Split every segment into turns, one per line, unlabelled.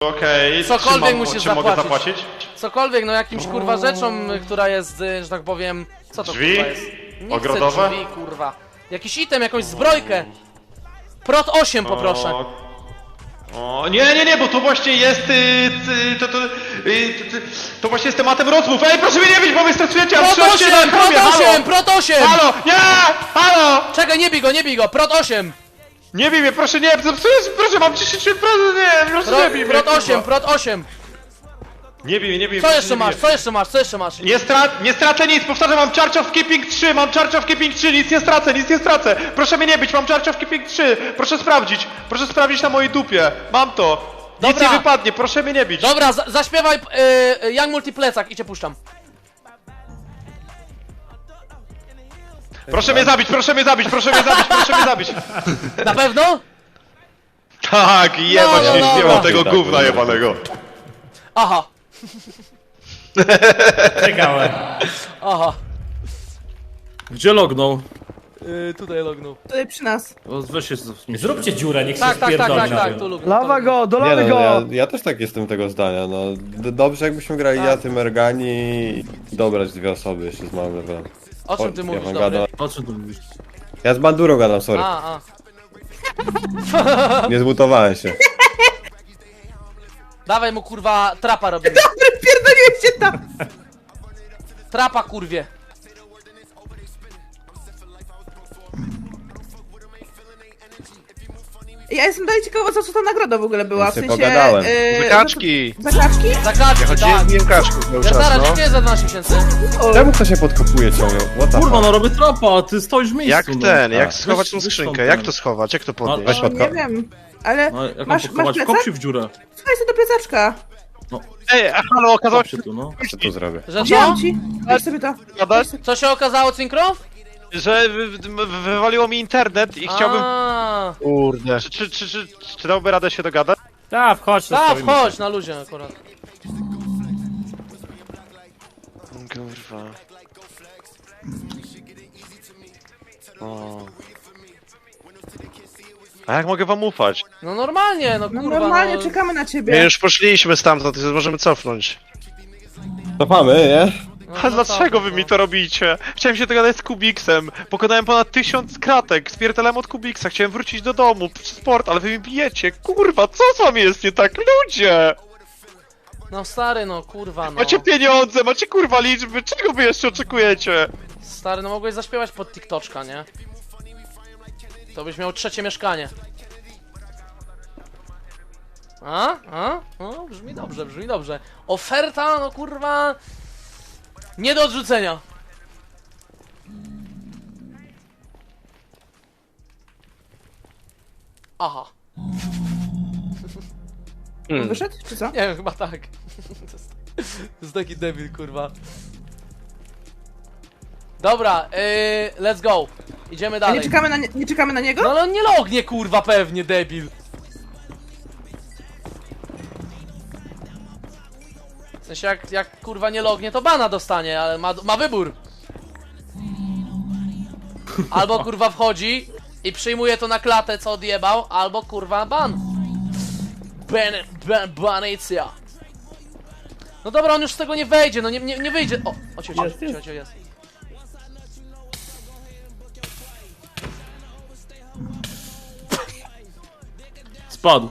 Okej,
Cokolwiek musisz
czy mogę
zapłacić.
zapłacić?
Cokolwiek, no jakimś kurwa rzeczą, która jest, że tak powiem... Co to
Drzwi?
kurwa jest? Nie
Ogrodowe?
chcę drzwi, kurwa. Jakiś item, jakąś zbrojkę. Prot 8 poproszę.
Nie, bo to właśnie jest, to właśnie jest tematem rozmów. Ej, proszę mnie nie bić, bo wy stresujecie, a
Prot 8, Prot 8, Prot 8!
Halo, nie, halo!
Czekaj, nie bij go, Prot 8!
Nie bij mnie, proszę nie, proszę, mam 10%, nie, proszę nie bij mnie.
Prot 8,
kurwa.
Prot 8!
Nie bij mnie,
Co
proszę,
jeszcze
nie
masz,
bij
co jeszcze masz, co jeszcze masz?
Nie stracę nic, powtarzam, mam Charge of Keeping 3, mam Charge of Keeping 3, nic nie stracę. Proszę mnie nie bić, mam Charge of Keeping 3, proszę sprawdzić na mojej dupie, mam to. Nic
Dobra.
nie wypadnie, proszę mnie nie bić.
Dobra, zaśpiewaj Young Multiplecak i cię puszczam.
Proszę mnie zabić.
Na pewno?
Tak, jebać,
No,
nie
dobra.
śpiewał tego gówna jebanego.
Aha,
Czekałem.
aha.
Gdzie lognął?
Tutaj lognął.
Tutaj przy nas.
O, weź się
Zróbcie dziurę, niech się
Tak,
wpierdoli na tym.
tu lubię.
Lawa go,
Nie
dolamy
no,
go!
ja też tak jestem tego zdania, no. Dobrze jakbyśmy grali ja, ty, Mergani i dobrać dwie osoby jeszcze z małym levelem.
O czym ty
Ja
mówisz,
wam
dobry?
gadam.
O czym tu mówisz?
Ja z Bandurą gadam, sorry.
A.
Nie zmutowałem się.
Dawaj mu kurwa trapa robimy.
Pierdoliłeś się tam!
Trapa kurwie.
Ja jestem dalej ciekawa, co ta nagroda w ogóle była,
Ja
w
sobie
sensie...
pogadałem.
Kaczki.
Za kaczki?
Za kaczki, tak.
Biłem kaczków cały
Ja
czas,
zaraz,
no.
dziękuję za 12 miesięcy.
Czemu kto się podkopuje ciągle? What the
Kurwa,
fuck?
no robię trapa, a ty stoisz w miejscu.
Jak
no.
ten, jak
A.
schować tą
Weź
skrzynkę,
stąd,
jak
ten.
to schować, jak to
No,
podnieść?
weź
No,
podko-
nie wiem, ale
No, jak mam
masz
podkopać?
plecak?
Kop się w dziurę.
Słuchaj sobie do plecaczka.
Ej, halo, okazało
Kop
się,
się tu, no.
Co tu zrobię?
Że co?
Wziąłem ci. Weź sobie to.
Co się okazało, Cinkrow?
że wywaliło mi internet i chciałbym...
A,
Kurde. Czy dałby radę się dogadać?
Tak, wchodź,
tak,
zostawimy
wchodź
się.
na luzie akurat.
Kurwa. O. A jak mogę wam ufać?
No normalnie, no
No
kurwa,
normalnie,
no.
czekamy na
My
ciebie.
już poszliśmy stamtąd, możemy cofnąć.
Cofamy, nie?
No,
A
no
dlaczego
tak,
wy
no.
mi to robicie? Chciałem się dogadać z Kubiksem. Pokonałem ponad 1000 kratek. Spierdalałem od Kubiksa. Chciałem wrócić do domu. Sport, ale wy mi bijecie. Kurwa, co z wami jest nie tak? Ludzie!
No stary, no kurwa, no.
Macie pieniądze, macie kurwa liczby. Czego wy jeszcze oczekujecie?
Stary, no mogłeś zaśpiewać pod TikToczka, nie? To byś miał trzecie mieszkanie. No, brzmi dobrze, brzmi dobrze. Oferta, no kurwa... Nie do odrzucenia. Aha.
Wyszedł, czy co?
Nie wiem, chyba tak. To jest taki debil, kurwa. Dobra, let's go. Idziemy
A
dalej.
nie czekamy na niego?
No ale on nie lognie, kurwa, pewnie, debil. W sensie, jak kurwa nie lognie, to bana dostanie, ale ma wybór. Albo kurwa wchodzi i przyjmuje to na klatę, co odjebał, albo kurwa ban. Banicja. No dobra, on już z tego nie wejdzie, no nie wyjdzie. O, cicho, jest.
Spadł.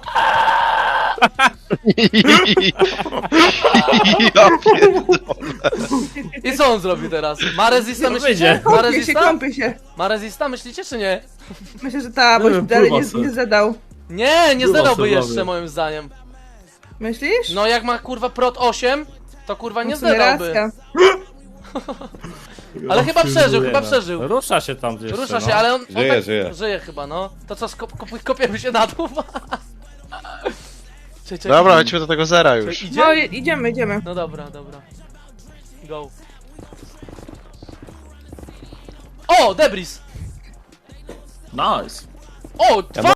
Ja pierdolę.
I co on zrobi teraz? Ma resista, myślicie?
wyjdzie.
Ma
Kąpie się,
resista?
kąpie się.
Ma resista, myślicie czy nie?
Myślę, że ta, bo
Nie wiem,
dalej
pływa sobie.
nie zadał.
Nie
Była
zdadałby
sobie
jeszcze
bawię.
moim zdaniem.
Myślisz?
No jak ma kurwa prot 8, to kurwa nie
W sumie
zdadałby.
racja.
Ale chyba przeżył.
Rusza się tam jeszcze,
Rusza się,
no.
ale on
Żyje,
tak, żyje chyba, no. To co, kopiemy się na dół? Czekaj,
Dobra, chodźmy do tego zera już.
idzie?
No idziemy.
No dobra. Go. O, Debris!
Nice.
O, dwa